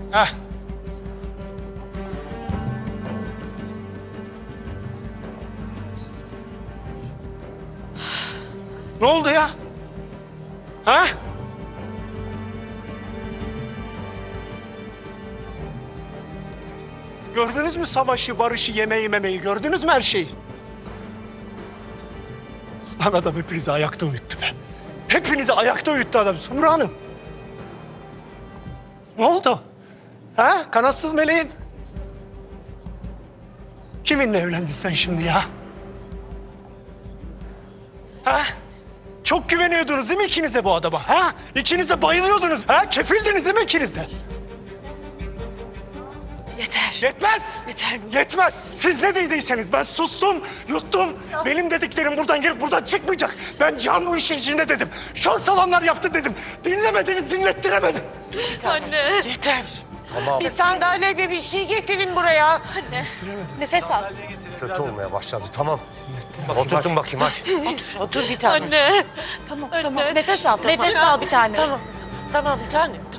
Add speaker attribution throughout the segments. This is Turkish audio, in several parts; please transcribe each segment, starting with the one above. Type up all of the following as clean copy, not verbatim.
Speaker 1: Heh. Ne oldu ya? Ha? Gördünüz mü savaşı, barışı, yemeği, memeyi? Gördünüz mü her şeyi? Lan adam hepinizi ayakta uyuttu be. Hepinizi ayakta uyuttu adam. Sumru Hanım. Ne oldu? Ha? Kanatsız meleğin. Kiminle evlendin sen şimdi ya? Ha? Çok güveniyordunuz değil mi ikiniz de bu adama? Ha? İkiniz de bayılıyordunuz. Ha? Kefildiniz değil mi ikiniz de?
Speaker 2: Yeter.
Speaker 1: Yetmez.
Speaker 2: Yeter.
Speaker 1: Yetmez. Siz ne dediyseniz ben sustum, yuttum. Benim dediklerim buradan girip buradan çıkmayacak. Ben Can bu işin içinde dedim. Şans alanlar yaptı dedim. Dinlemediniz, dinlettiremedim.
Speaker 2: Anne.
Speaker 3: Yeter.
Speaker 4: Tamam.
Speaker 3: Bir sandalye ve bir şey getirin buraya.
Speaker 2: Anne. Nefes al.
Speaker 4: Kötü olmaya başladı. Tamam. Oturtun bakayım hadi.
Speaker 3: Otur bir tane.
Speaker 2: Anne.
Speaker 3: Tamam,
Speaker 2: Anne.
Speaker 3: tamam.
Speaker 2: Nefes al. Nefes al bir tane.
Speaker 3: Tamam, tamam bir tane. Tamam.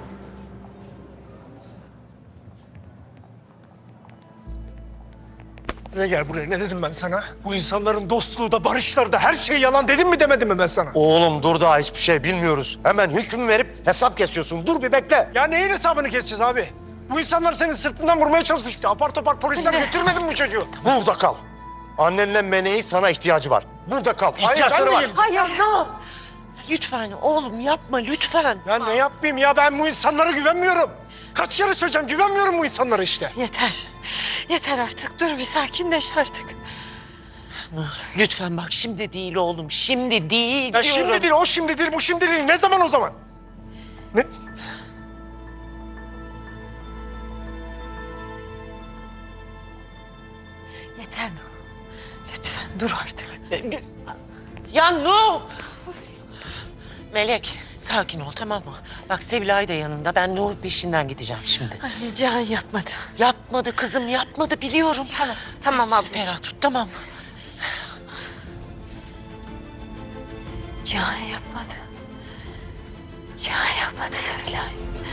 Speaker 1: Ne gel buraya, ne dedim ben sana? Bu insanların dostluğu da barışları da her şey yalan dedim mi demedim mi ben sana?
Speaker 4: Oğlum dur, daha hiçbir şey bilmiyoruz. Hemen hüküm verip hesap kesiyorsun. Dur bir bekle.
Speaker 1: Ya neyin hesabını keseceğiz abi? Bu insanlar senin sırtından vurmaya çalışmıştı. Apar topar polisler götürmedin mi bu çocuğu?
Speaker 4: Burada kal. Annenle Mene'yi sana ihtiyacı var. Burada kal.
Speaker 1: Hayır,
Speaker 4: İhtiyaçları
Speaker 1: ben de
Speaker 4: var.
Speaker 1: geleceğim.
Speaker 3: Hayır, no. Lütfen oğlum yapma lütfen.
Speaker 1: Ya ne yapayım ya, ben bu insanlara güvenmiyorum. Kaç kere söyleyeceğim, güvenmiyorum bu insanlara işte.
Speaker 3: Yeter. Yeter artık. Dur bir sakinleş artık. Lütfen bak şimdi değil oğlum. Şimdi değil
Speaker 1: Ya
Speaker 3: diyorum.
Speaker 1: şimdi değil, o şimdi değil, bu şimdi değil. Ne zaman o zaman? Ne?
Speaker 3: Yeter no. Lütfen dur artık. Ya no. Melek sakin ol tamam mı? Bak Sevilay da yanında. Ben Nuh peşinden gideceğim şimdi.
Speaker 2: Anne Cihan yapmadı.
Speaker 3: Yapmadı kızım yapmadı biliyorum.
Speaker 2: Tamam
Speaker 3: Sen
Speaker 2: ablacığım.
Speaker 3: ferah tut tamam mı?
Speaker 2: Cihan yapmadı. Cihan yapmadı Sevilay.